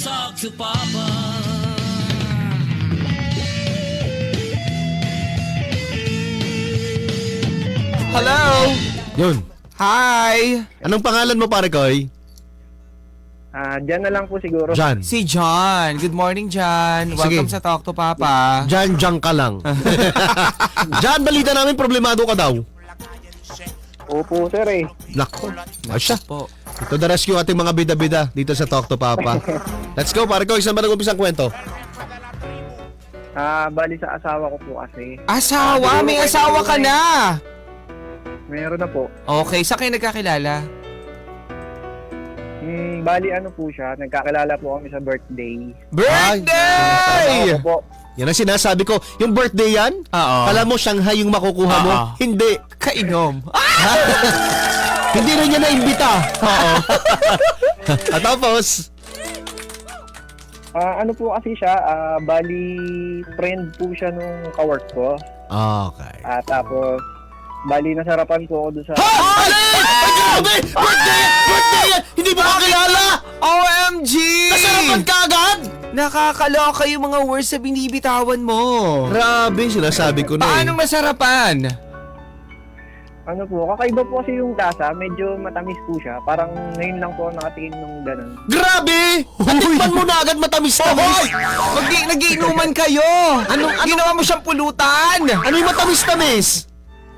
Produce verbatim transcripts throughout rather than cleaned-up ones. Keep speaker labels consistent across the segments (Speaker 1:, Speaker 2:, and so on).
Speaker 1: talk to Papa.
Speaker 2: Hello!
Speaker 3: Yun.
Speaker 2: Hi!
Speaker 3: Anong pangalan mo, pare Koy?
Speaker 4: Ah, dyan na lang po siguro.
Speaker 3: Jan.
Speaker 2: Si John. Good morning, John. Welcome
Speaker 3: Sige.
Speaker 2: sa Talk to Papa.
Speaker 3: Jan, Jan ka lang. Jan, balita namin, problemado ka daw.
Speaker 4: Opo, sir eh.
Speaker 3: Nako, asya.
Speaker 2: Po.
Speaker 3: Ito the rescue ating mga bida-bida dito sa Talk to Papa. Let's go, pare Koy. Saan ba nag-umpisa ang kwento?
Speaker 4: Ah, bali sa asawa ko po kasi.
Speaker 2: Asawa? May asawa ka na!
Speaker 4: Meron na po.
Speaker 2: Okay, saan kayo nagkakilala?
Speaker 4: Hmm, bali ano po siya, nagkakilala po kami sa birthday.
Speaker 2: Birthday!
Speaker 4: Asawa ko po.
Speaker 3: Yan ang sinasabi ko. Yung birthday yan?
Speaker 2: Oo.
Speaker 3: Kala mo Shanghai yung makukuha mo?
Speaker 2: Oo.
Speaker 3: Hindi.
Speaker 2: Kainom.
Speaker 3: Hindi rin niya na-imbita. Oo. At tapos,
Speaker 4: Ah, ano po kasi siya, ah, bali friend po siya nung kawork ko.
Speaker 3: okay.
Speaker 4: Ah, tapos bali nasarapan po ako doon sa
Speaker 3: Alin! Ay, grabe! Birthday yan! Birthday yan! Hindi mo kakilala!
Speaker 2: O M G!
Speaker 3: Nasarapan ka agad!
Speaker 2: Nakakaloka yung mga words na binibitawan mo.
Speaker 3: Grabe, sinasabi ko na
Speaker 2: Paano
Speaker 3: eh.
Speaker 2: masarapan?
Speaker 4: ano po, kakaiba po kasi yung lasa, medyo matamis po siya. Parang ngayon lang po ako nakatingin nung ganun.
Speaker 3: Grabe! Natikman mo na agad matamis-tamis!
Speaker 2: Mag nagiinuman kayo! Anong, ginawa mo siyang pulutan?
Speaker 3: Ano yung matamis-tamis?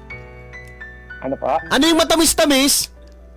Speaker 4: Ano pa?
Speaker 3: Ano yung matamis-tamis?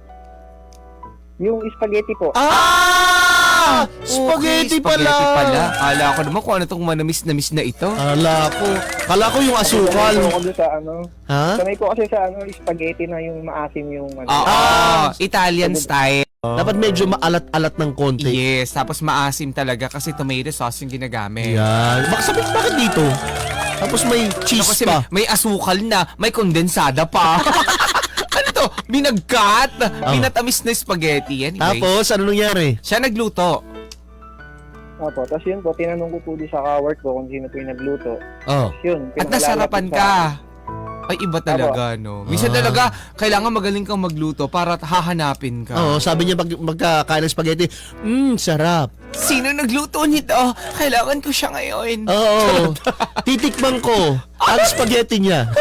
Speaker 4: Yung spaghetti po.
Speaker 3: Ah!
Speaker 2: Okay,
Speaker 3: Spaghetti pala!
Speaker 2: pala. Kala ko naman kung ano tong manamis-namis na ito.
Speaker 3: Kala ko. Kala ko yung
Speaker 4: Sanay
Speaker 3: asukal.
Speaker 4: po ako doon sa ano.
Speaker 3: Ha?
Speaker 4: Sanay ko kasi sa ano, spaghetti na yung maasim yung ano.
Speaker 2: Oo,
Speaker 3: Ah!
Speaker 2: Italian style.
Speaker 3: Dapat medyo maalat-alat ng konti.
Speaker 2: Yes, tapos maasim talaga kasi tomato sauce yung ginagamit.
Speaker 3: Yan. Bak sabi, bakit dito? Tapos may
Speaker 2: So,
Speaker 3: cheese
Speaker 2: kasi
Speaker 3: pa.
Speaker 2: may, may asukal na, may kondensada pa. Ano to? Binagkat!
Speaker 3: Oh.
Speaker 2: Binatamis na spaghetti. Anyway,
Speaker 3: Tapos, ano nangyari?
Speaker 2: siya nagluto.
Speaker 4: Opo, tapos yun po, tinanong ko po doon sa ka-work ko kung sino po yung nagluto.
Speaker 3: Oh.
Speaker 4: Yun,
Speaker 2: At
Speaker 4: pinakilala
Speaker 2: nasarapan
Speaker 4: po sa-
Speaker 2: ka. Ay, iba talaga, no? Minsan
Speaker 3: Ah.
Speaker 2: talaga, kailangan magaling kang magluto para hahanapin ka.
Speaker 3: Oo, sabi niya pag magkakain ng spaghetti, mmm, sarap.
Speaker 2: Sino nagluto nito? Kailangan ko siya ngayon.
Speaker 3: Oo. Titikman ko ang spaghetti niya.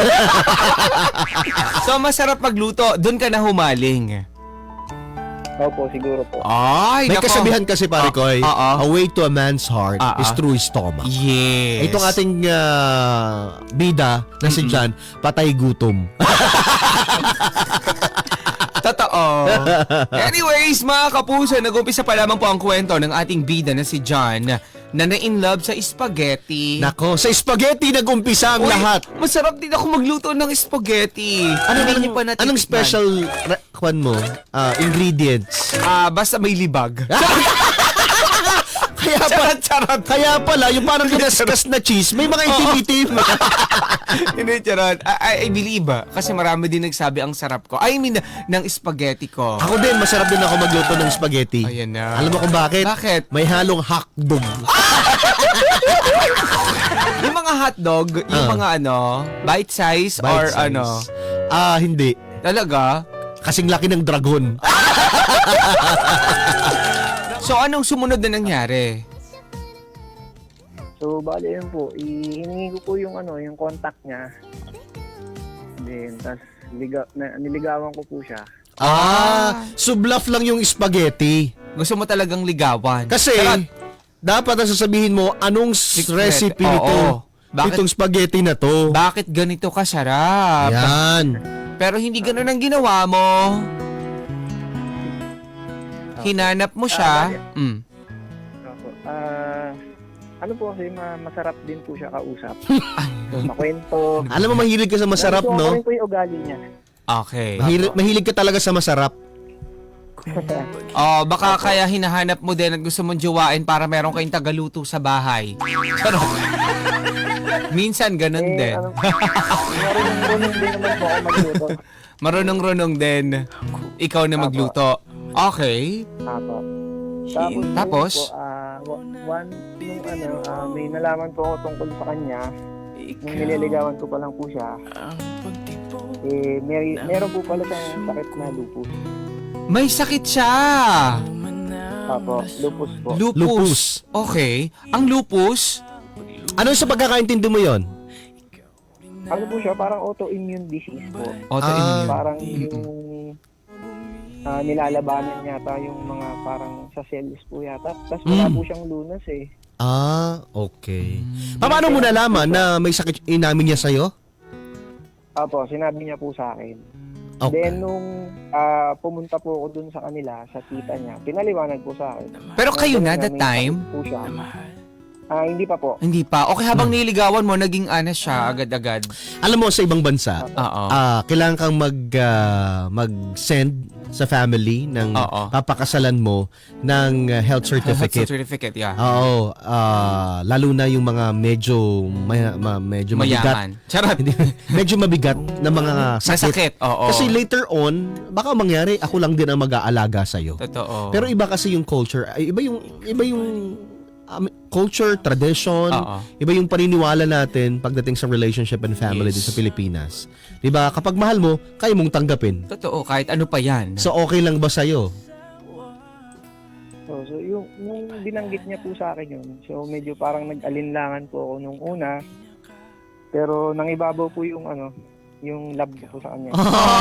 Speaker 2: So, masarap magluto. Doon ka na humaling.
Speaker 4: Opo, siguro po.
Speaker 2: Ay,
Speaker 3: May
Speaker 2: nako.
Speaker 3: kasabihan kasi, pare ko, eh,
Speaker 2: Oo.
Speaker 3: a way to a man's heart
Speaker 2: Ah,
Speaker 3: is
Speaker 2: ah.
Speaker 3: through his stomach.
Speaker 2: Yes.
Speaker 3: Itong ating ah, bida na si Jan, patay gutom.
Speaker 2: Totoo. Anyways, mga kapuso, nag-umpisa pa lamang po ang kwento ng ating bida na si John na na-in-love sa spaghetti.
Speaker 3: Nako, sa spaghetti nag-umpisa ang
Speaker 2: Uy,
Speaker 3: lahat.
Speaker 2: Masarap din ako magluto ng spaghetti.
Speaker 3: Ano
Speaker 2: Hindi
Speaker 3: anong,
Speaker 2: niyo pa natikman?
Speaker 3: anong special ra- kwan mo? Ah, ingredients.
Speaker 2: Ah, basta may libag.
Speaker 3: Kaya pa,
Speaker 2: Charot, charot.
Speaker 3: kaya pala, yung parang ginaskas na cheese, may mga itim-itim.
Speaker 2: Hindi, charot. I, I believe ah. Kasi marami din nagsabi ang sarap ko. I mean, ng spaghetti ko.
Speaker 3: Ako din, masarap din ako magluto ng spaghetti.
Speaker 2: Ayan na.
Speaker 3: Alam mo kung bakit?
Speaker 2: Bakit?
Speaker 3: May halong hotdog.
Speaker 2: Yung mga hotdog, yung
Speaker 3: Ah.
Speaker 2: mga ano, bite size or
Speaker 3: Bite size.
Speaker 2: ano.
Speaker 3: Ah, hindi.
Speaker 2: Talaga?
Speaker 3: Kasing laki ng dragon.
Speaker 2: So, anong sumunod na nangyari?
Speaker 4: So, bali yun po, ihingi ko po yung ano, yung contact niya. Then, tas liga, na, niligawan ko po siya.
Speaker 3: Ah, sublaf lang yung spaghetti.
Speaker 2: Gusto mo talagang ligawan?
Speaker 3: Kasi,
Speaker 2: Charot.
Speaker 3: dapat na sasabihin mo, anong s-
Speaker 2: Secret.
Speaker 3: recipe
Speaker 2: Oo.
Speaker 3: nito?
Speaker 2: Bakit-
Speaker 3: Itong spaghetti na to.
Speaker 2: Bakit ganito kasarap?
Speaker 3: Yan.
Speaker 2: Pero hindi ganun ang ginawa mo. Hinanap mo siya.
Speaker 4: Ah,
Speaker 2: Mm.
Speaker 4: Opo. Ah, ano po kasi, ma- masarap din po siya kausap. Makwento.
Speaker 3: Alam mo, mahilig ka sa masarap,
Speaker 4: Nagustuhan ko
Speaker 3: no?
Speaker 4: rin po yung ugali niya.
Speaker 2: Okay.
Speaker 3: Mahilig, mahilig ka talaga sa masarap.
Speaker 2: Oh, baka kaya hinahanap mo din at gusto mong jowain para meron kayong tagaluto sa bahay. Charot. Minsan ganun
Speaker 4: eh,
Speaker 2: din.
Speaker 4: ano, marunong-runong din naman po ako magluto.
Speaker 2: Marunong-runong din. Ikaw na
Speaker 4: Apo.
Speaker 2: magluto. Okay.
Speaker 4: Apo. Tapos,
Speaker 2: Tapos?
Speaker 4: yun po, ah, wa- one, nung ano, ah, may nalaman po ako tungkol sa kanya. Nung nililigawan ko pa lang po siya. Eh, may, meron po pala siyang sakit na lupus.
Speaker 2: May sakit siya.
Speaker 4: Apo, lupus po.
Speaker 2: Lupus.
Speaker 3: Lupus.
Speaker 2: Okay. Ang lupus,
Speaker 3: Ano sa pagkakaintindi mo yon?
Speaker 4: Ano po siya, parang autoimmune disease po.
Speaker 2: autoimmune.
Speaker 4: Parang yung ah, nilalabanan yata yung mga parang sa cells po yata. Tapos wala
Speaker 3: Mm.
Speaker 4: po siyang lunas eh.
Speaker 3: Ah, okay. Paano mo nalaman na may sakit inamin niya sa'yo?
Speaker 4: Apo, sinabi niya po sa akin.
Speaker 3: Okay.
Speaker 4: Then nung ah, pumunta po ako dun sa kanila, sa tita niya, pinaliwanag po sa akin.
Speaker 2: Pero kayo na
Speaker 4: ganun
Speaker 2: that
Speaker 4: may
Speaker 2: time?
Speaker 4: sakit Po siya. Ah, hindi pa po.
Speaker 2: Hindi pa. Okay, habang
Speaker 3: Hmm.
Speaker 2: niligawan mo, naging ana siya agad-agad.
Speaker 3: Alam mo, sa ibang bansa,
Speaker 2: Oo.
Speaker 3: ah kailangan kang mag, ah, mag-send sa family ng
Speaker 2: Oo.
Speaker 3: papakasalan mo ng ah, health certificate.
Speaker 2: Certificate, yeah.
Speaker 3: Oo, ah, lalo na yung mga medyo may, ma- medyo mabigat.
Speaker 2: Mayaman. Charot.
Speaker 3: Hindi, medyo mabigat na mga sakit.
Speaker 2: Masakit, oo.
Speaker 3: Kasi later on, baka mangyari ako lang din ang mag-aalaga sa iyo.
Speaker 2: Totoo.
Speaker 3: Pero iba kasi yung culture, ay, iba yung iba yung um, culture, tradition,
Speaker 2: Oo.
Speaker 3: iba yung paniniwala natin pagdating sa relationship and family
Speaker 2: Yes.
Speaker 3: din sa Pilipinas. 'Di ba? Kapag mahal mo, kaya mong tanggapin.
Speaker 2: Totoo, kahit ano pa yan.
Speaker 3: So okay lang ba sa iyo?
Speaker 4: So, so yung, yung binanggit niya po sa akin yun, so medyo parang nag-alinlangan po ako nung una. Pero nang ibabaw po yung ano, yung love ko po sa kanya.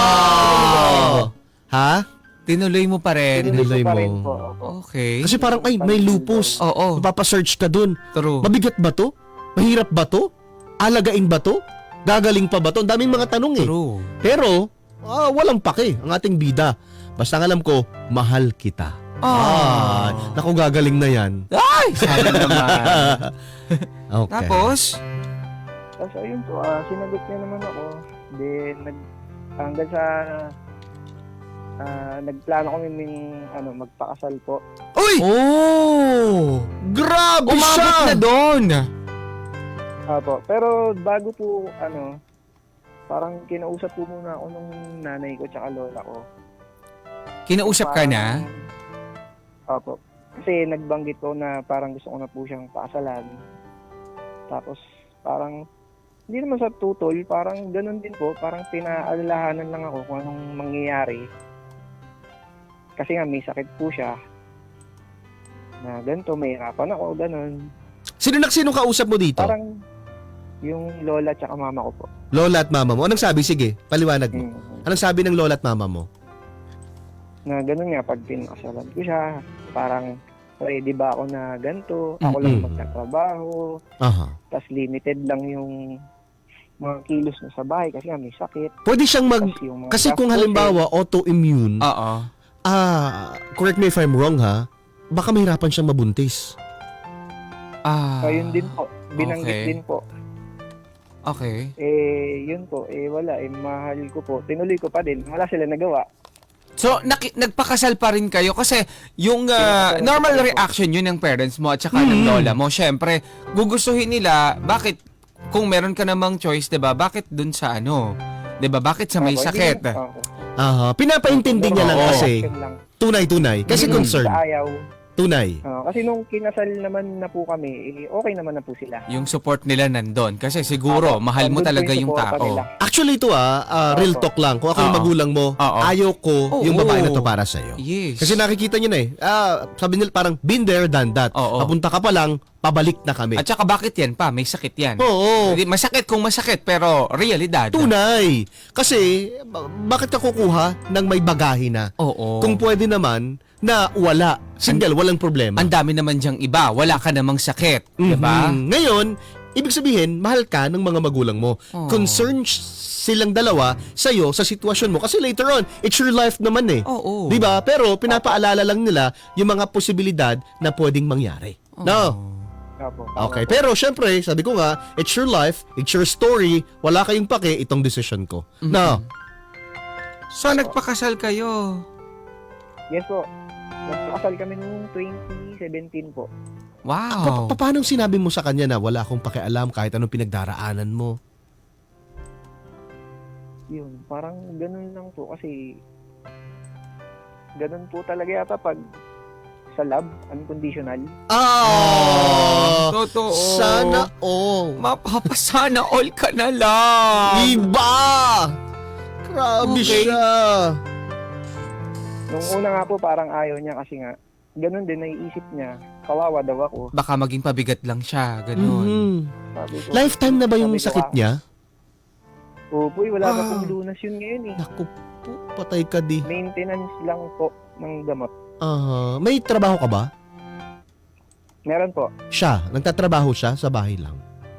Speaker 3: Oh! Ha?
Speaker 2: Tinuloy mo pa rin.
Speaker 3: Tinuloy
Speaker 4: ko pa
Speaker 3: mo.
Speaker 4: rin po. Opo.
Speaker 2: Okay.
Speaker 3: Kasi parang ay may lupus.
Speaker 2: Oo.
Speaker 3: Mapapasearch ka dun.
Speaker 2: True.
Speaker 3: Mabigat ba to? Mahirap ba to? Alagain ba to? Gagaling pa ba to? Ang daming mga tanong eh.
Speaker 2: True.
Speaker 3: Pero, ah, walang pake ang ating bida. Basta ang alam ko, mahal kita.
Speaker 2: Ah.
Speaker 3: naku, gagaling na yan.
Speaker 2: Ay! Sabi naman.
Speaker 3: Okay.
Speaker 2: Tapos,
Speaker 4: Tapos ayun po, ah, sinagot niya naman ako. Then, nag, hanggang sa ah, nagplano kami ng ano, magpakasal po.
Speaker 2: uy!
Speaker 3: Oh! Grabe
Speaker 2: Umabot
Speaker 3: siya!
Speaker 2: na doon.
Speaker 4: Apo, pero bago po, ano, parang kinausap po muna ako nung nanay ko tsaka lola ko.
Speaker 2: Kinausap ka na?
Speaker 4: Opo. Kasi nagbanggit ko na parang gusto ko na po siyang pakasalan. Tapos parang hindi naman sa tutol, parang ganun din po, parang pinaalalahanan lang ako kung anong mangyayari. Kasi nga may sakit po siya. Na ganito, may hirapan ako, ganun.
Speaker 3: Sino na sino kausap mo dito?
Speaker 4: Parang yung lola tsaka mama ko po.
Speaker 3: Lola at mama mo. Anong sabi? Sige, paliwanag mo.
Speaker 4: Mm.
Speaker 3: Anong sabi ng lola at mama mo?
Speaker 4: Na ganun nga, pag pinakasalan ko siya, parang ready ba ako na ganito, ako lang
Speaker 3: Mm-mm.
Speaker 4: magtatrabaho,
Speaker 3: Aha.
Speaker 4: tas limited lang yung mga kilos na sa bahay kasi nga may sakit.
Speaker 3: Pwede siyang mag...
Speaker 4: Tas yung mga
Speaker 3: Kasi kung
Speaker 4: gastusin,
Speaker 3: halimbawa, autoimmune,
Speaker 2: Oo.
Speaker 3: ah, correct me if I'm wrong ha, baka mahirapan siyang mabuntis.
Speaker 2: Ah.
Speaker 4: ayun din po, binanggit
Speaker 2: Okay.
Speaker 4: din po.
Speaker 2: Okay.
Speaker 4: Eh, yun po, eh wala, eh mahal ko po. Tinuloy ko pa din, wala sila nagawa.
Speaker 2: So, naki- nagpakasal pa rin kayo kasi yung ah,
Speaker 4: Pinakasal
Speaker 2: normal
Speaker 4: ko.
Speaker 2: reaction yun ng parents mo at saka ng
Speaker 3: Mm.
Speaker 2: lola mo. Syempre, gugustuhin nila, bakit, kung meron ka namang choice, 'di ba? Bakit dun sa ano? 'Di ba? Bakit sa may
Speaker 4: Opo, hindi
Speaker 2: sakit?
Speaker 4: naman- opo.
Speaker 3: Aha. Pinapaintindi niya lang
Speaker 2: Oo.
Speaker 3: kasi.
Speaker 4: Yun lang.
Speaker 3: Tunay-tunay. Kasi
Speaker 2: Mm.
Speaker 3: concern.
Speaker 4: Sa ayaw.
Speaker 3: Tunay.
Speaker 4: Ah, kasi nung kinasal naman na po kami, eh, okay naman na po sila.
Speaker 2: Yung support nila nandun. Kasi siguro,
Speaker 4: Opo,
Speaker 2: mahal mo
Speaker 4: nandun po
Speaker 2: talaga yung
Speaker 4: suporta
Speaker 2: tao.
Speaker 4: nila.
Speaker 3: Actually ito ah, ah, real
Speaker 4: Opo.
Speaker 3: talk lang. Kung ako yung
Speaker 2: Oo.
Speaker 3: magulang mo,
Speaker 2: Oo.
Speaker 3: ayaw ko
Speaker 2: Oo.
Speaker 3: yung babae na to para sa'yo.
Speaker 2: Yes.
Speaker 3: Kasi nakikita niyo na eh. Ah, sabi nila parang been there, done that.
Speaker 2: Oo.
Speaker 3: Papunta ka pa lang, pabalik na kami.
Speaker 2: At saka bakit yan pa? May sakit yan.
Speaker 3: Oo.
Speaker 2: Hindi, masakit kung masakit, pero realidad.
Speaker 3: Tunay. Kasi, ba- bakit ka kukuha ng may bagahe na?
Speaker 2: Oo.
Speaker 3: Kung pwede naman na wala. Single, walang problema.
Speaker 2: Ang dami naman diyang iba. Wala ka namang sakit.
Speaker 3: Mhm.
Speaker 2: Diba?
Speaker 3: Ngayon, ibig sabihin, mahal ka ng mga magulang mo.
Speaker 2: Oo.
Speaker 3: Concerned silang dalawa sa'yo, sa sitwasyon mo. Kasi later on, it's your life naman eh.
Speaker 2: Oo.
Speaker 3: Di ba? Pero pinapaalala lang nila yung mga posibilidad na pwedeng mangyari. No?
Speaker 4: Opo.
Speaker 3: Okay. Pero syempre, sabi ko nga, it's your life, it's your story, wala kayong pake, itong decision ko. No?
Speaker 2: So, nagpakasal kayo.
Speaker 4: Yes po. Nagpakasal kami noong twenty seventeen po.
Speaker 2: Wow.
Speaker 3: Pa- paano sinabi mo sa kanya na wala akong pakialam kahit anong pinagdaraanan mo?
Speaker 4: Yun, parang ganun lang po kasi ganun po talaga yata pag sa love, unconditional.
Speaker 3: Ah!
Speaker 2: Totoo.
Speaker 3: Sana all.
Speaker 2: Mapapasana all ka na lang.
Speaker 3: Iba! Grabe
Speaker 2: Okay.
Speaker 3: siya.
Speaker 4: Nung una nga po parang ayaw niya kasi nga ganun din, naiisip niya, kawawa daw ako.
Speaker 2: Baka maging pabigat lang siya, ganun.
Speaker 3: Mhm.
Speaker 4: Sabi ko,
Speaker 3: Lifetime na ba yung
Speaker 4: sabi ko,
Speaker 3: sakit
Speaker 4: ah,
Speaker 3: niya?
Speaker 4: Opo, eh, wala pa
Speaker 3: Ah.
Speaker 4: pong lunas yun ngayon eh.
Speaker 3: Naku po, patay ka di.
Speaker 4: Maintenance lang po ng gamot.
Speaker 3: Ah, may trabaho ka ba?
Speaker 4: Meron po,
Speaker 3: Siya, nagtatrabaho siya sa bahay lang.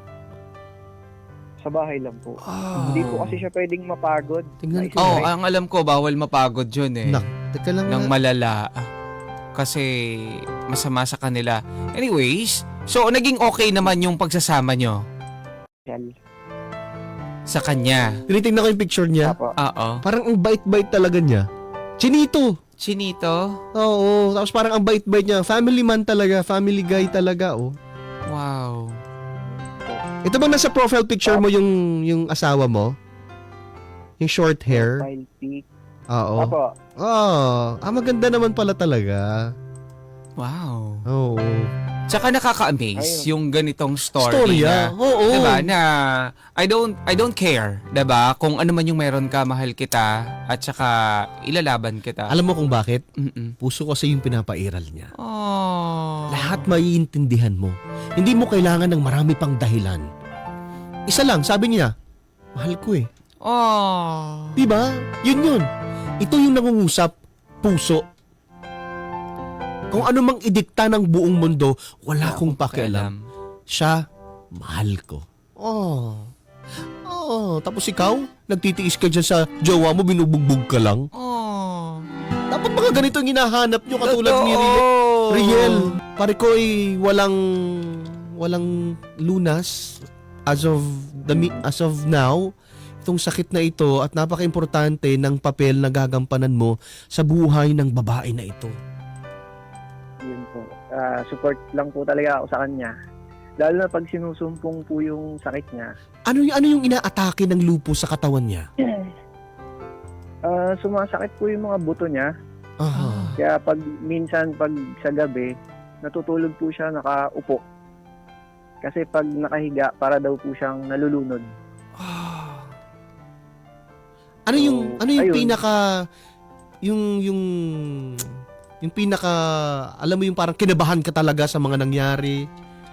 Speaker 4: sa bahay lang po.
Speaker 3: Ah.
Speaker 4: Hindi po kasi siya pwedeng mapagod.
Speaker 3: Tingnan ko.
Speaker 2: Oh, ang alam ko, bawal mapagod yun eh.
Speaker 3: Nak, teka lang
Speaker 2: Nang
Speaker 3: nga.
Speaker 2: malala. Kasi masama sa kanila. Anyways, so naging okay naman yung pagsasama nyo
Speaker 4: Yan.
Speaker 2: sa kanya.
Speaker 3: Tinitingnan ko yung picture niya.
Speaker 4: Apo.
Speaker 2: Oo.
Speaker 3: Parang ang bait-bait talaga niya. Chinito.
Speaker 2: Chinito?
Speaker 3: Oo, tapos parang ang bait-bait niya. Family man talaga, family guy talaga, oh.
Speaker 2: Wow.
Speaker 3: Ito bang nasa profile picture mo yung yung asawa mo? Yung short hair?
Speaker 4: Profile pic.
Speaker 3: Oo.
Speaker 4: Apo.
Speaker 3: Oh, ah, maganda naman pala talaga.
Speaker 2: Wow.
Speaker 3: Oo.
Speaker 2: Tsaka nakaka-amaze
Speaker 4: Ayun.
Speaker 2: yung ganitong story
Speaker 3: Storya.
Speaker 2: na,
Speaker 3: Oo.
Speaker 2: diba, na I don't I don't care, diba, kung ano man yung meron ka, mahal kita, at saka ilalaban kita.
Speaker 3: Alam mo kung bakit?
Speaker 2: Mm-mm.
Speaker 3: Puso kasi yung pinapairal niya.
Speaker 2: Oh.
Speaker 3: Lahat maiintindihan mo. Hindi mo kailangan ng marami pang dahilan. Isa lang, sabi niya, mahal ko eh.
Speaker 2: Oh.
Speaker 3: Diba? Yun yun. Ito yung nangungusap, puso. Kung ano mang idikta ng buong mundo, wala akong pakialam. Siya, mahal ko. Oh. Oh, tapos ikaw, nagtitiis ka dyan sa jowa mo, binubugbog ka lang.
Speaker 2: Oh.
Speaker 3: Dapat mga ganito yung hinahanap nyo, katulad ni Riel.
Speaker 2: Totoo.
Speaker 3: Riel, pare ko ay walang walang lunas as of the mi- as of now itong sakit na ito at napaka-importante ng papel na gagampanan mo sa buhay ng babae na ito.
Speaker 4: Yun po. Ah, support lang po talaga ako sa kanya. Lalo na pag sinusumpong po yung sakit niya.
Speaker 3: Ano yung ano yung inaatake ng lupus sa katawan niya?
Speaker 4: Ah, sumasakit po yung mga buto niya.
Speaker 3: Aha.
Speaker 4: Kaya pag minsan pag sa gabi, natutulog po siya nakaupo. Kasi pag nakahiga, para daw po siyang nalulunod.
Speaker 3: Ano yung
Speaker 4: So,
Speaker 3: ano yung
Speaker 4: ayun.
Speaker 3: pinaka yung yung yung pinaka alam mo yung parang kinabahan ka talaga sa mga nangyari?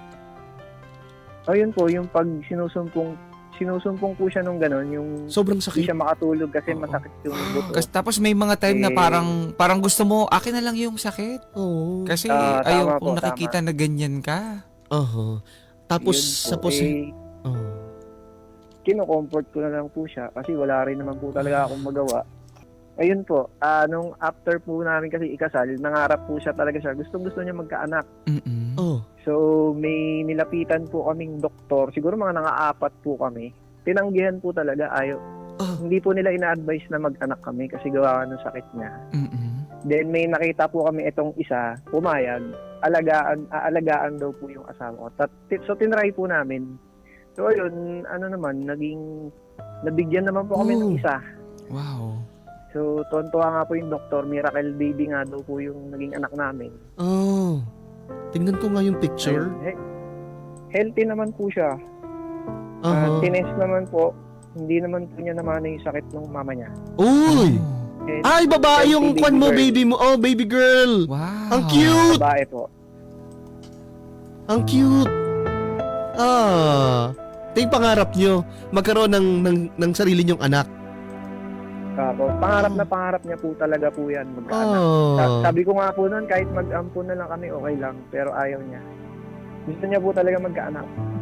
Speaker 4: Ayun po, yung pag sinusumpong, sinusumpong po siya nung gano'n, yung
Speaker 3: Sobrang
Speaker 4: hindi
Speaker 3: sakit.
Speaker 4: siya makatulog kasi
Speaker 3: Oo.
Speaker 4: masakit yung buto.
Speaker 2: Kasi tapos may mga time na
Speaker 4: Eh,
Speaker 2: parang parang gusto mo akin na lang yung sakit.
Speaker 3: Oo.
Speaker 2: Kasi
Speaker 4: Ah, tama
Speaker 2: ayaw
Speaker 4: po,
Speaker 2: kong nakikita na ganyan ka.
Speaker 3: Aha. Tapos
Speaker 4: Yun po,
Speaker 3: sa posi-
Speaker 4: eh,
Speaker 3: oh.
Speaker 4: kino-comfort ko na lang po siya kasi wala rin naman po talaga akong magawa. Ayun po, ah, nung after po namin kasi ikasal, nangarap po siya talaga siya. Gustong gusto niya magkaanak.
Speaker 2: Mm-mm.
Speaker 3: Oh.
Speaker 4: So, may nilapitan po kaming doktor. Siguro mga nangaapat po kami. Tinanggihan po talaga. Ayaw.
Speaker 3: Ah.
Speaker 4: Hindi po nila ina-advise na mag-anak kami kasi gawa ng sakit niya.
Speaker 2: Mm-mm.
Speaker 4: Then, may nakita po kami itong isa, pumayag. Alagaan, aalagaan daw po yung asawa ko. Tat- So, tinry po namin. So, ayun, ano naman, naging, nabigyan naman po kami
Speaker 3: Oh.
Speaker 4: ng isa.
Speaker 2: Wow.
Speaker 4: So, tuwan-tuwa nga po yung doktor. Miracle baby nga daw po yung naging anak namin.
Speaker 3: Oh. Tingnan ko nga yung picture.
Speaker 4: Ayun, he- healthy naman po siya.
Speaker 3: Aha.
Speaker 4: Uh, tinest naman po, hindi naman po niya naman yung sakit ng mama niya.
Speaker 3: Uy!
Speaker 4: And,
Speaker 3: Ay, babae yung
Speaker 4: Baby
Speaker 3: kwan mo,
Speaker 4: girl.
Speaker 3: baby mo. Oh, baby girl.
Speaker 2: Wow.
Speaker 3: Ang cute!
Speaker 4: babae po.
Speaker 3: Ang cute. Ah. Ito yung pangarap nyo. Magkaroon ng, ng, ng sarili nyong anak.
Speaker 4: Tapos, pangarap na pangarap niya po talaga po yan, magkaanak.
Speaker 3: Oh.
Speaker 4: Sa- Sabi ko nga po noon, kahit mag-ampun na lang kami, okay lang. Pero ayaw niya. Gusto niya po talaga magkaanak.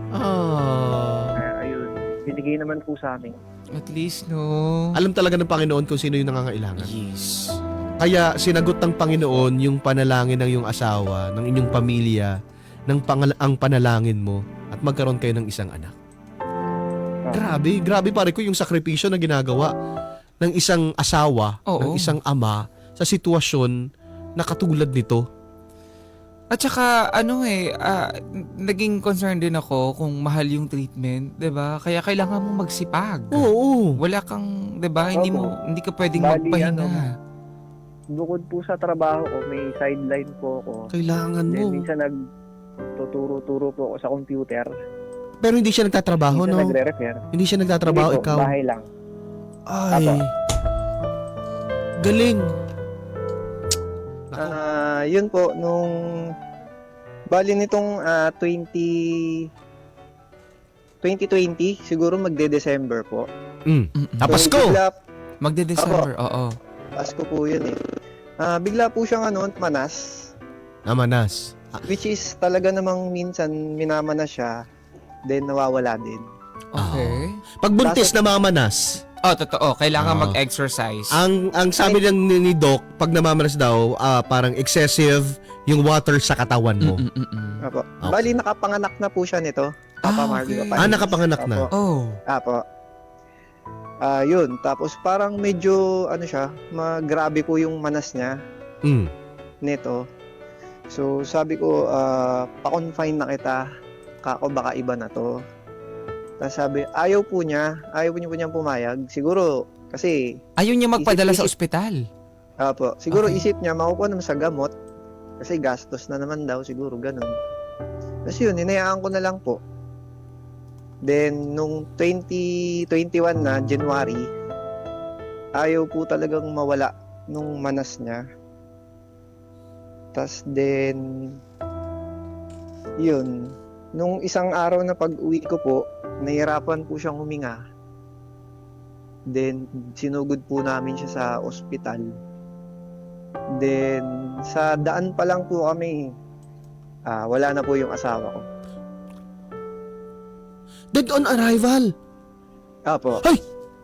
Speaker 3: Ah.
Speaker 4: Kaya ayun, binigay naman po sa amin.
Speaker 2: At least, no.
Speaker 3: Alam talaga ng Panginoon kung sino yung nangangailangan.
Speaker 2: Yes.
Speaker 3: Kaya sinagot ng Panginoon yung panalangin ng iyong asawa, ng inyong pamilya, ng pangal- ang panalangin mo at magkaroon kayo ng isang anak.
Speaker 4: Ah.
Speaker 3: Grabe, grabe pare ko yung sakripisyo na ginagawa ng isang asawa,
Speaker 2: Oo.
Speaker 3: ng isang ama sa sitwasyon na katulad nito.
Speaker 2: At saka, ano eh, ah, naging concerned din ako kung mahal yung treatment, 'di ba? Kaya kailangan mo magsipag.
Speaker 3: Oo.
Speaker 2: Wala kang, 'di ba? Hindi mo hindi ka pwedeng
Speaker 4: Bali,
Speaker 2: magpahinga.
Speaker 4: ano, Bukod po sa trabaho ko, may sideline po ako.
Speaker 3: Kailangan
Speaker 4: Then,
Speaker 3: mo.
Speaker 4: minsan nagtuturo-turo po ako sa computer.
Speaker 3: Pero hindi siya nagtatrabaho,
Speaker 4: Minsan
Speaker 3: no?
Speaker 4: nagre-refer.
Speaker 3: Hindi siya nagtatrabaho,
Speaker 4: Hindi po,
Speaker 3: ikaw.
Speaker 4: bahay lang.
Speaker 3: Ay.
Speaker 4: Apo.
Speaker 3: Galing.
Speaker 4: Ah, yun po, nung bali nitong ah, twenty twenty twenty, siguro magde-December po.
Speaker 3: Mm.
Speaker 2: Mm-mm.
Speaker 3: Ah, Pasko!
Speaker 4: So, bigla,
Speaker 2: Magde-December, oo.
Speaker 4: Pasko po yun eh. Ah, bigla po siyang ano, manas.
Speaker 3: Namanas. Ah,
Speaker 4: Which is talaga namang minsan minamanas siya, then nawawala din.
Speaker 2: Okay.
Speaker 3: Pag buntis na mamanas,
Speaker 2: Oh, totoo. Kailangan
Speaker 3: Ah.
Speaker 2: mag-exercise.
Speaker 3: ang ang sabi ng ni, ni Doc, pag namamanas daw, ah, parang excessive yung water sa katawan mo.
Speaker 2: Mm-mm-mm.
Speaker 4: Apo.
Speaker 3: Okay.
Speaker 4: Bali, nakapanganak na po siya nito. Papa
Speaker 2: Ah,
Speaker 4: Marvin.
Speaker 2: okay.
Speaker 4: Papa
Speaker 3: Ah,
Speaker 4: Nils.
Speaker 3: nakapanganak na.
Speaker 4: Apo.
Speaker 2: Oh.
Speaker 4: Apo. Ah, yun. Tapos parang medyo, ano siya, magrabe po yung manas niya
Speaker 3: Mm.
Speaker 4: nito. So, sabi ko, ah, pa-confine na kita. Kako, baka iba na to. Tapos sabi, ayaw po niya. Ayaw po niya po niyang pumayag. Siguro, kasi,
Speaker 2: Ayaw niya magpadala sa
Speaker 4: Isip-isip.
Speaker 2: ospital.
Speaker 4: apo, siguro
Speaker 2: Okay.
Speaker 4: isip niya, makukuha naman sa gamot. Kasi gastos na naman daw, siguro, ganun. Tapos yun, hinayaan ko na lang po. Then, nung twenty twenty-one na, January, ayaw po talagang mawala nung manas niya. Tapos then, yun, nung isang araw na pag-uwi ko po, nahirapan po siyang huminga. Then, sinugod po namin siya sa ospital. Then, sa daan pa lang po kami, ah, wala na po yung asawa ko.
Speaker 3: Dead on arrival.
Speaker 4: Apo.
Speaker 3: Ay!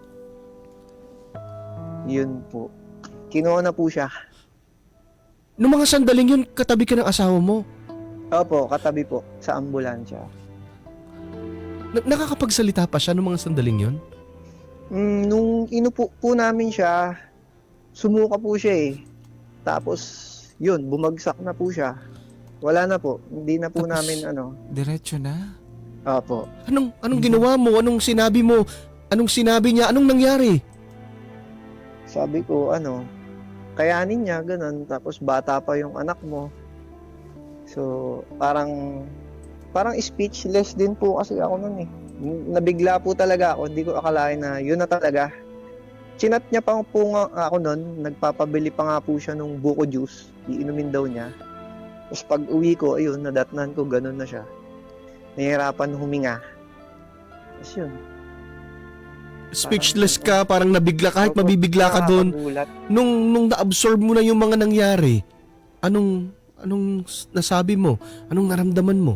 Speaker 4: Yun po. Kinuha na po siya.
Speaker 3: Nung mga sandaling yun, katabi ka ng asawa mo.
Speaker 4: Opo, katabi po sa ambulansya.
Speaker 3: Na- nakakapagsalita pa siya nung mga sandaling yun?
Speaker 4: Mm, nung inupo po namin siya, sumuka po siya eh. Tapos, yun, bumagsak na po siya. Wala na po. Hindi na po
Speaker 2: Tapos-
Speaker 4: namin ano.
Speaker 2: Diretso na.
Speaker 4: Opo.
Speaker 3: Anong anong
Speaker 2: Mhm.
Speaker 3: ginawa mo? Anong sinabi mo? Anong sinabi niya? Anong nangyari?
Speaker 4: Sabi ko, ano, kayanin niya, ganun. Tapos bata pa yung anak mo. So, parang, parang speechless din po kasi ako nun eh. Nabigla po talaga ako. Hindi ko akalain na yun na talaga. Chinat niya pa po nga ako nun. Nagpapabili pa nga po siya nung buko juice. Iinumin daw niya. Tapos pag uwi ko, ayun, nadatnan ko, ganun na siya. Nahihirapan huminga. Tapos yun.
Speaker 3: Speechless ka, parang nabigla, kahit mabibigla ka doon.
Speaker 4: Nakakagulat.
Speaker 3: Nung, nung na-absorb mo na yung mga nangyari, anong, anong s- nasabi mo? Anong naramdaman mo?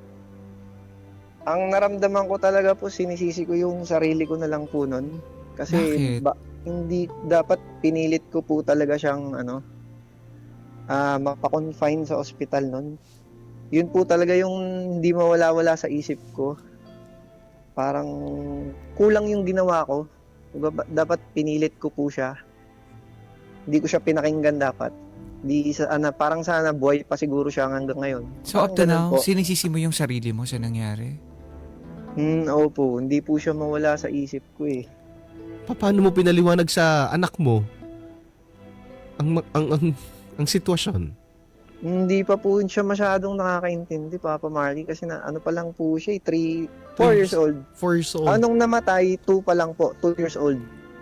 Speaker 4: Ang naramdaman ko talaga po, sinisisi ko yung sarili ko na lang po nun. Kasi
Speaker 2: Bakit?
Speaker 4: ba, hindi dapat pinilit ko po talaga siyang ano, ah mapa-confine sa ospital nun. Yun po talaga yung hindi mawala-wala sa isip ko. Parang kulang yung ginawa ko. Diba, dapat pinilit ko po siya. Hindi ko siya pinakinggan dapat. Di sa ana parang sana buhay pa siguro siya hanggang ngayon.
Speaker 2: So up to
Speaker 4: Parang ganun
Speaker 2: now,
Speaker 4: po.
Speaker 2: sinisisi mo yung sarili mo sa nangyari?
Speaker 4: Hmm, opo, hindi po siya mawala sa isip ko eh.
Speaker 3: Pa- Paano mo pinaliwanag sa anak mo ang ma- ang ang, ang sitwasyon?
Speaker 4: Hindi pa po siya masyadong nakakaintindi, Papa Marley, kasi na ano pa lang po siya, three, four
Speaker 3: Two
Speaker 4: years old.
Speaker 3: Four years old.
Speaker 4: Anong namatay, two pa lang po, two years old.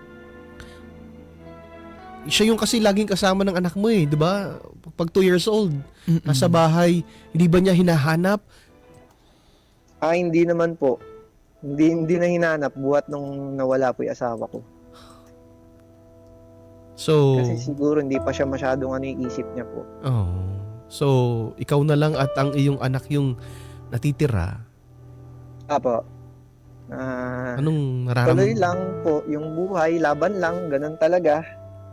Speaker 3: Siya yung kasi laging kasama ng anak mo eh, di ba? Pag two years old,
Speaker 2: Mm-mm.
Speaker 3: nasa bahay, hindi ba niya hinahanap?
Speaker 4: Ah, hindi naman po. Hindi, hindi na hinanap buhat nung nawala po yung asawa ko.
Speaker 3: So,
Speaker 4: Kasi siguro hindi pa siya masyadong ano yung isip niya po.
Speaker 3: oh. So, ikaw na lang at ang iyong anak yung natitira.
Speaker 4: Apo. Ah,
Speaker 3: Anong
Speaker 4: tuloy
Speaker 3: nararamdaman?
Speaker 4: lang po, yung buhay, laban lang, ganun talaga.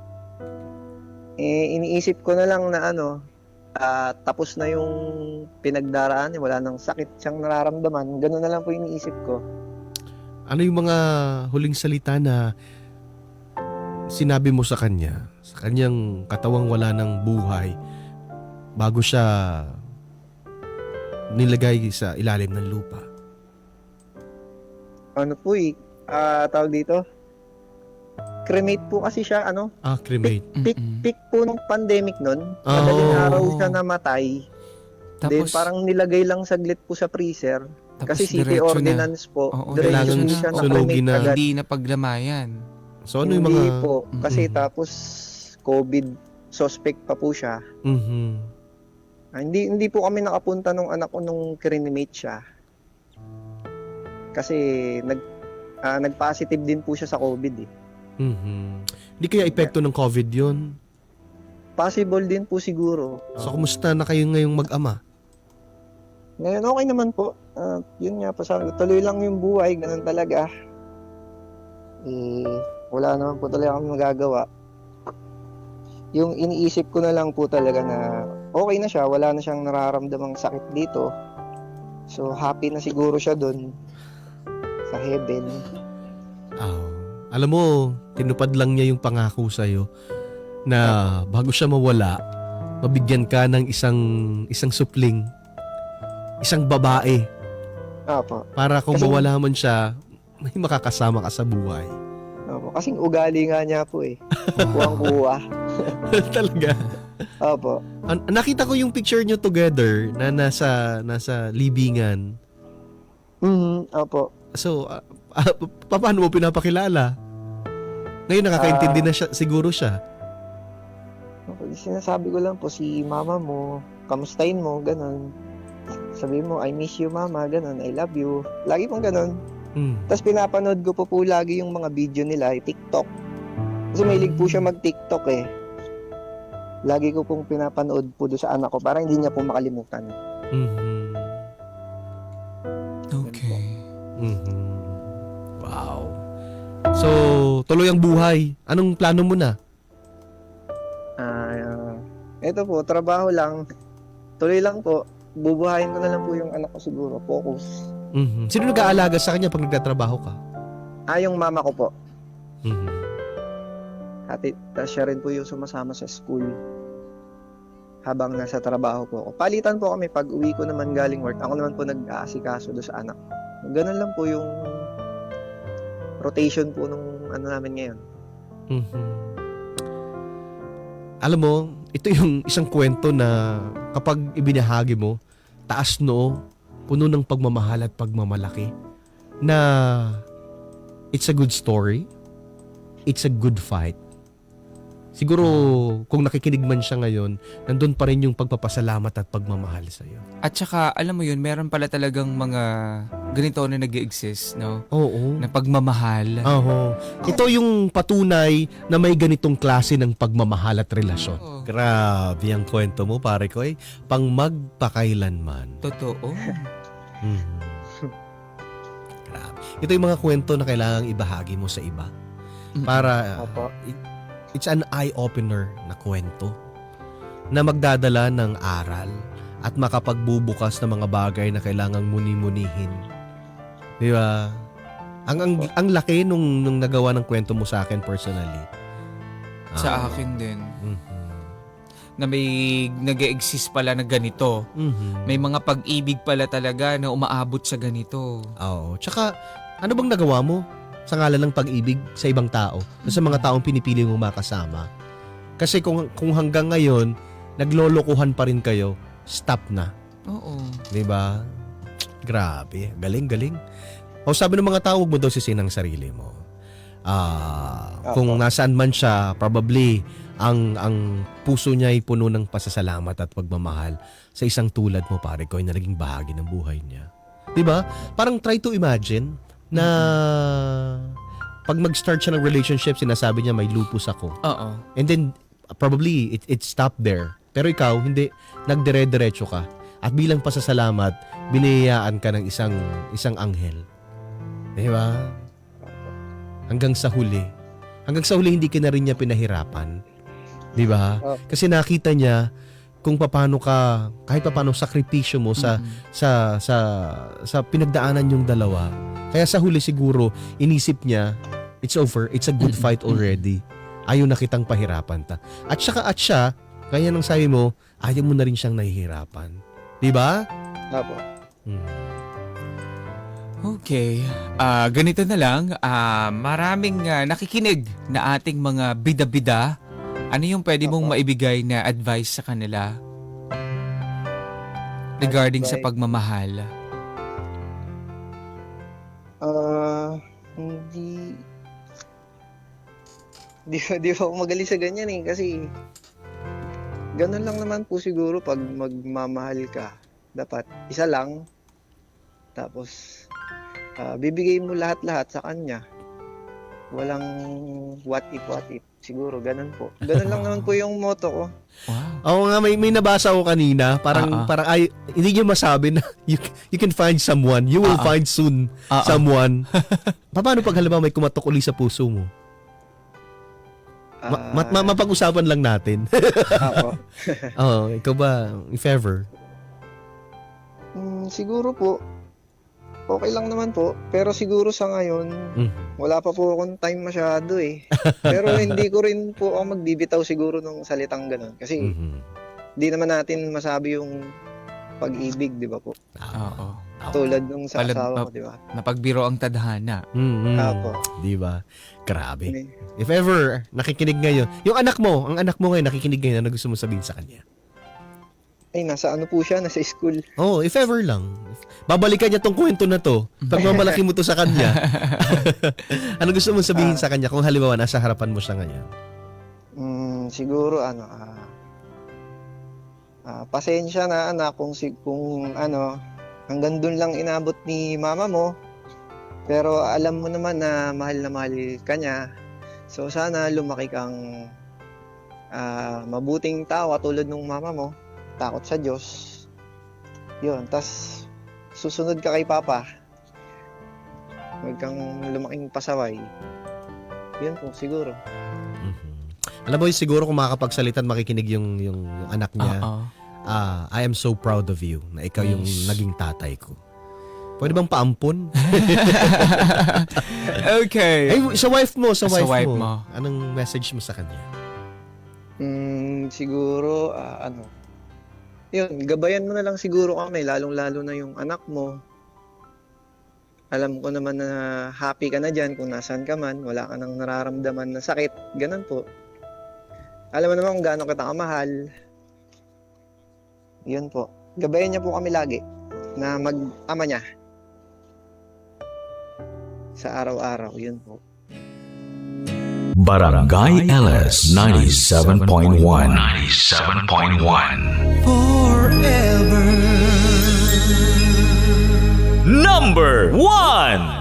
Speaker 4: Eh, iniisip ko na lang na ano, ah, tapos na yung pinagdaraan, eh, wala nang sakit siyang nararamdaman, ganun na lang po iniisip ko.
Speaker 3: Ano yung mga huling salita na sinabi mo sa kanya, sa kanyang katawang wala ng buhay, bago siya nilagay sa ilalim ng lupa?
Speaker 4: Ano po eh, ah, tawag dito, cremate po kasi siya, ano,
Speaker 3: Ah, cremate.
Speaker 4: peak,
Speaker 2: Mm-mm.
Speaker 4: peak po nung pandemic nun,
Speaker 3: Oh.
Speaker 4: madaling araw siya namatay, then
Speaker 2: Tapos,
Speaker 4: parang nilagay lang saglit po sa freezer,
Speaker 2: tapos
Speaker 4: kasi city
Speaker 2: diretso
Speaker 4: ordinance po,
Speaker 2: Oo,
Speaker 4: diretso
Speaker 3: kailangan
Speaker 4: po siya
Speaker 3: sunugin
Speaker 4: na-cremate
Speaker 3: na.
Speaker 4: agad.
Speaker 2: Hindi na paglamayan.
Speaker 3: So, ano yung
Speaker 4: Hindi
Speaker 3: mga...
Speaker 4: po, kasi
Speaker 3: Mm-mm.
Speaker 4: tapos COVID suspect pa po siya.
Speaker 3: Mhm.
Speaker 4: Ah, hindi hindi po kami nakapunta nung anak ko nung kirinimate siya. Kasi nag ah, nag-positive din po siya sa COVID eh.
Speaker 3: Mhm. Hindi kaya epekto ng COVID 'yun.
Speaker 4: Possible din po siguro.
Speaker 3: So kumusta na kayo ngayong mag-ama?
Speaker 4: Ngayon okay naman po. Ah, yun nga po, sabi ko, tuloy lang yung buhay, ganun talaga. Eh, wala naman po talaga kami magagawa. Yung iniisip ko na lang po talaga na okay na siya, wala na siyang nararamdamang sakit dito. So happy na siguro siya doon sa heaven.
Speaker 3: Oh. Alam mo, tinupad lang niya yung pangako sa'yo na bago siya mawala, mabigyan ka ng isang isang supling, isang babae,
Speaker 4: Opo.
Speaker 3: para kung
Speaker 4: Kasi-
Speaker 3: mawala man siya, may makakasama ka sa buhay.
Speaker 4: Opo. Kasing ugali nga niya po eh. Kuwang-kuwa.
Speaker 3: Talaga.
Speaker 4: Opo.
Speaker 3: An- nakita ko yung picture nyo together na nasa nasa libingan.
Speaker 4: Mhm. Opo.
Speaker 3: So, ah, ah, pa- paano mo pinapakilala? Ngayon nakakaintindi
Speaker 4: Ah.
Speaker 3: na siya, siguro siya.
Speaker 4: Opo. Sinasabi ko lang po si mama mo, kamustahin mo, ganun. Sabi mo, I miss you mama, ganun, I love you. Lagi pong ganun.
Speaker 3: Hmm.
Speaker 4: Tapos pinapanood ko po po lagi yung mga video nila, yung TikTok. Kasi mahilig po siya mag-TikTok eh. Lagi ko pong pinapanood po doon sa anak ko para hindi niya po makalimutan.
Speaker 3: Mhm.
Speaker 2: Okay.
Speaker 3: Mhm. Wow. So, tuloy ang buhay. Anong plano mo na?
Speaker 4: Ah, ito po, trabaho lang. Tuloy lang po. Bubuhayin ko na lang po yung anak ko siguro. Focus.
Speaker 3: Mhm. Sino nag-aalaga sa kanya pag nagtatrabaho ka?
Speaker 4: Ah, yung mama ko po.
Speaker 3: Mhm.
Speaker 4: Hati, tapos siya rin po yung sumasama sa school habang nasa trabaho po ako. Palitan po kami pag uwi ko naman galing work. Ako naman po nag-aasikaso doon sa anak. Ganun lang po yung rotation po nung ano namin ngayon.
Speaker 3: Mhm. Alam mo, ito yung isang kwento na kapag ibinahagi mo, taas noo, puno ng pagmamahal at pagmamalaki, na it's a good story, it's a good fight. Siguro kung nakikinig man siya ngayon, nandun pa rin yung pagpapasalamat at pagmamahal sa iyo.
Speaker 2: At saka, alam mo yun, meron pala talagang mga ganito na nag-exist, no?
Speaker 3: Oo.
Speaker 2: Na pagmamahal.
Speaker 3: Oo. Ito yung patunay na may ganitong klase ng pagmamahal at relasyon.
Speaker 2: Oo.
Speaker 3: Grabe ang kwento mo, pare ko eh. Pang magpakailanman.
Speaker 2: Totoo.
Speaker 3: Mhm. Grabe. Ito yung mga kwento na kailangang ibahagi mo sa iba. Para
Speaker 4: Opo.
Speaker 3: it- it's an eye-opener na kwento na magdadala ng aral at makapagbubukas ng mga bagay na kailangang muni-munihin. Di ba? Ang, ang, ang laki nung, nung nagawa ng kwento mo sa akin personally.
Speaker 2: Sa
Speaker 3: Ah,
Speaker 2: akin din.
Speaker 3: mhm.
Speaker 2: Na may nag-exist pala na ganito.
Speaker 3: Mhm.
Speaker 2: May mga pag-ibig pala talaga na umaabot sa ganito.
Speaker 3: Oo. Tsaka, ano bang nagawa mo sa ngalan ng pag-ibig sa ibang tao? Sa mga taong pinipili mong makasama? Kasi kung, kung hanggang ngayon, naglolokohan pa rin kayo, stop na.
Speaker 2: Oo.
Speaker 3: Di ba? Grabe. Galing, galing. O sabi ng mga tao, huwag mo daw sisihin ang sarili mo. Ah, kung
Speaker 4: Opo.
Speaker 3: nasaan man siya, probably ang ang puso niya ay puno ng pasasalamat at pagmamahal sa isang tulad mo, pare ko, na naging bahagi ng buhay niya. 'Di ba? Parang try to imagine na pag mag-start siya ng relationship, sinasabi niya may lupus ako.
Speaker 2: Oo.
Speaker 3: And then probably it it stopped there. Pero ikaw hindi, nagdire-diretso ka. At bilang pasasalamat, biniyayaan ka ng isang isang anghel. 'Di ba? Hanggang sa huli. Hanggang sa huli hindi ka na rin niya pinahirapan. 'Di ba?
Speaker 4: Oh.
Speaker 3: Kasi nakita niya kung paano ka, kahit paano sakripisyo mo sa
Speaker 2: Mhm.
Speaker 3: sa sa sa pinagdaanan yung dalawa. Kaya sa huli siguro inisip niya, it's over, it's a good fight already. Ayaw na kitang pahirapan ta. At saka at siya, kaya nang sabi mo, ayaw mo na rin siyang nahihirapan. 'Di ba?
Speaker 4: Opo.
Speaker 3: Hmm.
Speaker 2: Okay. Ah, ganito na lang. Ah, maraming ah, nakikinig na ating mga bida-bida. Ano yung pwede mong
Speaker 4: Opo.
Speaker 2: maibigay na advice sa kanila regarding sa
Speaker 4: Advice?
Speaker 2: pagmamahal?
Speaker 4: Ah, hindi... Di ba, di ba ako magaling sa ganyan eh. Kasi ganun lang naman po siguro pag magmamahal ka. Dapat isa lang. Tapos, ah, bibigay mo lahat-lahat sa kanya. Walang what if, what if. Siguro, ganun po. Ganun lang naman po yung motto ko.
Speaker 2: Wow.
Speaker 3: Oo nga, may, may nabasa ko kanina. Parang,
Speaker 2: Ah, ah.
Speaker 3: parang ay, hindi niyo masabi na you, you can find someone. You will
Speaker 2: Ah, ah.
Speaker 3: find soon
Speaker 2: Ah, ah.
Speaker 3: someone. Paano pag halimbawa may kumatok uli sa puso mo? Ma- ma- ma- mapag-usapan lang natin.
Speaker 4: Ako.
Speaker 3: Oo, ikaw ba, if ever?
Speaker 4: Mm, siguro po, okay lang naman po. Pero siguro sa ngayon,
Speaker 3: Mm.
Speaker 4: wala pa po akong time masyado eh. Pero hindi ko rin po ako magbibitaw siguro ng salitang ganun. Kasi
Speaker 3: Mhm.
Speaker 4: di naman natin masabi yung pag-ibig, di ba po?
Speaker 2: Oo.
Speaker 4: Tulad nung sa
Speaker 2: Palad-
Speaker 4: asawa ko,
Speaker 2: pa-
Speaker 4: di ba?
Speaker 2: Napagbiro ang tadhana.
Speaker 3: Mhm.
Speaker 4: Apo.
Speaker 3: Di ba? Grabe.
Speaker 4: Ni-
Speaker 3: If ever, nakikinig ngayon. Yung anak mo, ang anak mo ngayon, nakikinig ngayon, ano gusto mo sabihin sa kanya?
Speaker 4: Ay, nasa ano po siya, nasa school.
Speaker 3: Oh, if ever lang. Babalikan niya tong kwento na to. Pag mamalaki mo to sa kanya. Ano gusto mo sabihin sa kanya kung halimbawa nasa harapan mo siya ngayon?
Speaker 4: Mm, siguro ano, ah, ah, pasensya na anak kung, si, kung ano, hanggang dun lang inabot ni mama mo. Pero alam mo naman na mahal na mahal ka niya. So sana lumaki kang ah, mabuting tao tulad ng mama mo. Takot sa Diyos. Yun, tas susunod ka kay Papa. Huwag kang lumaking pasaway. Yun po, siguro.
Speaker 3: Mhm. Alam mo, siguro kung makakapagsalita at makikinig yung, yung, yung anak niya,
Speaker 2: Oo.
Speaker 3: ah, I am so proud of you na ikaw yung
Speaker 2: Yes.
Speaker 3: naging tatay ko. Pwede bang paampon?
Speaker 2: Okay.
Speaker 3: Ay, sa wife mo, sa,
Speaker 2: Sa
Speaker 3: wife,
Speaker 2: wife
Speaker 3: mo.
Speaker 2: mo.
Speaker 3: Anong message mo sa kanya?
Speaker 4: Mm, siguro, ah, ano, yun, gabayan mo na lang siguro kami, lalong-lalo na yung anak mo. Alam ko naman na happy ka na dyan kung nasaan ka man, wala ka nang nararamdaman na sakit, ganun po. Alam mo naman kung gaano kita kamahal. Yun po. Gabayan niya po kami lagi na mag-ama niya. Sa araw-araw, yun po.
Speaker 1: Barangay L S ninety-seven point one. ninety-seven point one. Forever. Number one.